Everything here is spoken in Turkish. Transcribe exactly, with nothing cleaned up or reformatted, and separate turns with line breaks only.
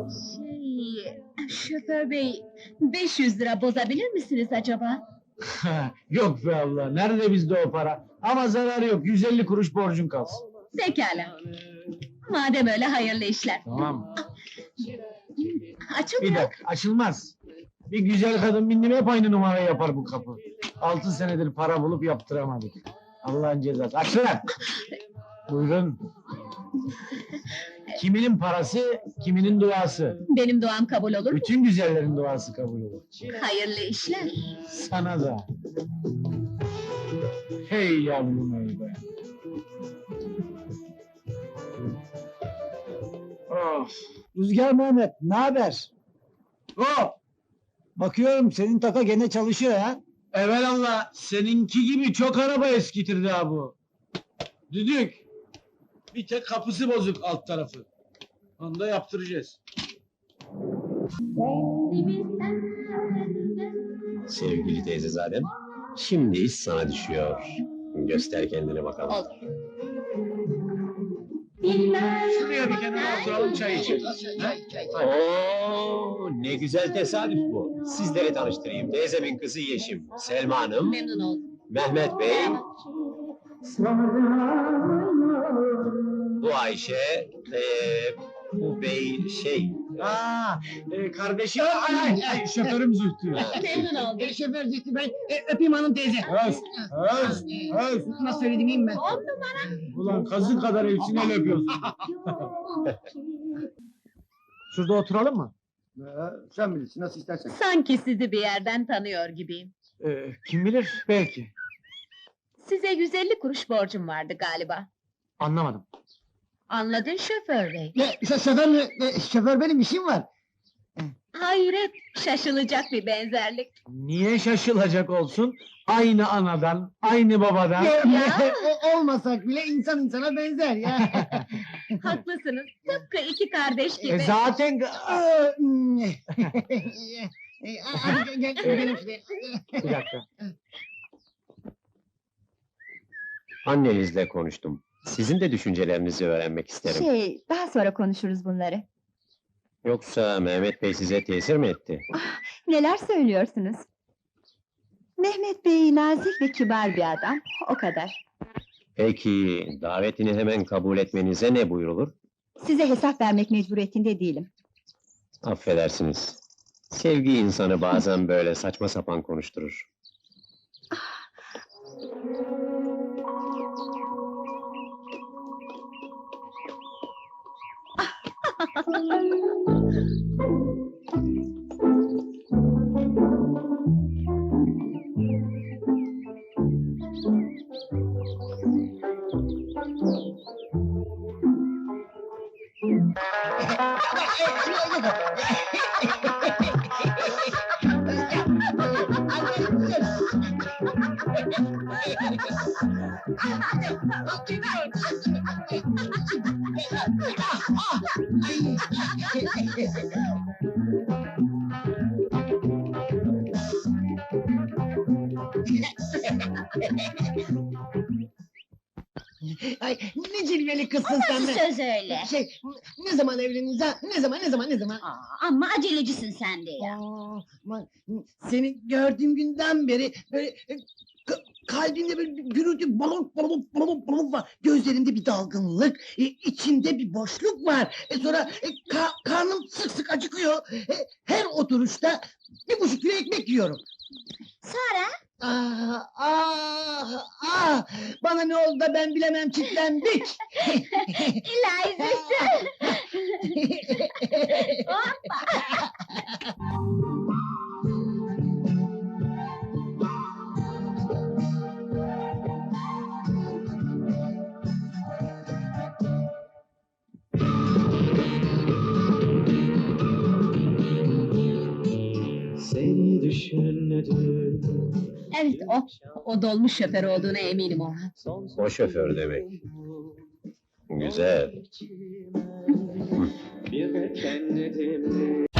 Şey, şoför bey, beş yüz lira bozabilir misiniz acaba?
Yok be abla, nerede bizde o para? Ama zarar yok, yüz elli kuruş borcun kalsın.
Pekala. Madem öyle hayırlı işler.
Tamam.
Açılmıyor.
Bir dakika, açılmaz. Bir güzel kadın bindim hep aynı numarayı yapar bu kapı. Altı senedir para bulup yaptıramadık. Allah'ın cezası. Aç lan! Buyurun. Kiminin parası, kiminin duası.
Benim duam kabul olur mu?
Bütün güzellerin duası kabul olur.
Hayırlı işler.
Sana da. Hey yavrum hey be. Of.
Rüzgar Mehmet, ne haber?
Oh!
Bakıyorum senin taka gene çalışıyor ha.
Evelallah, seninki gibi çok araba eskitirdi ha bu. Düdük. Bir tek kapısı bozuk alt tarafı. Onu da yaptıracağız.
Sevgili teyzezadem, şimdi iş sana düşüyor. Göster kendine bakalım.
Olur.
Şuraya bir kenara oturalım çay içelim. Ha?
Oo, ne güzel tesadüf bu. Sizleri tanıştırayım. Teyzemin kızı Yeşim, Selma Hanım,
Memnun oldum.
Mehmet Bey, bu Ayşe, ee, bu bey şey...
Aa, e, kardeşim, ay, ay, ay, şoförüm Zühtü.
Memnun oldum.
E, şoför Zühtü ben, e, öpeyim hanım teyze.
Öz, öz, öz.
Nasıl söyledim iyiyim ben?
On numara.
Ulan kazık kadar hepsini el öpüyorsun. Şurada oturalım mı?
Sen bilirsin nasıl istersen.
Sanki sizi bir yerden tanıyor gibiyim.
Ee, kim bilir, belki.
Size yüz elli kuruş borcum vardı galiba.
Anlamadım.
Anladın şoför bey.
Ne, şo- şoför mü? E, şoför benim işim var.
Hayret, şaşılacak bir benzerlik.
Niye şaşılacak olsun? Aynı anadan, aynı babadan.
Ya, o- olmasak bile insan insana benzer ya.
Haklısınız, tıpkı iki kardeş gibi.
E zaten...
Aa, hmm. E, Hadi gel, gel, gidelim şuraya.
Bir dakika.
Annenizle konuştum. Sizin de düşüncelerinizi öğrenmek isterim.
Şey, daha sonra konuşuruz bunları.
Yoksa Mehmet Bey size tesir mi etti?
Neler söylüyorsunuz? Mehmet Bey nazik ve kibar bir adam, o kadar.
Peki, davetini hemen kabul etmenize ne buyrulur?
Size hesap vermek mecburiyetinde değilim.
Affedersiniz. Sevgi insanı bazen böyle saçma sapan konuşturur.
Ay, ne cilveli kızsın sen be.
Söz öyle.
Şey, ne zaman evleniriz ha? Ne zaman, ne zaman, ne zaman?
Aa, ama acelecisin sen de ya.
Aa, aman, seni gördüğüm günden beri böyle e, ka- kalbimde böyle bir gürültü balon balon balon balon var. Gözlerinde bir dalgınlık, e, içinde bir boşluk var. E, sonra e, ka- karnım sık sık acıkıyor. E, her oturuşta bir buçuk kilo ekmek yiyorum.
Sonra?
Ah, ah, ah! Bana ne oldu da ben bilemem çitlendik.
İlahi Zühtü.
Seni düşünmedim.
Evet o. O dolmuş şoför olduğuna eminim Orhan.
O şoför demek. Güzel.
Bir de kendim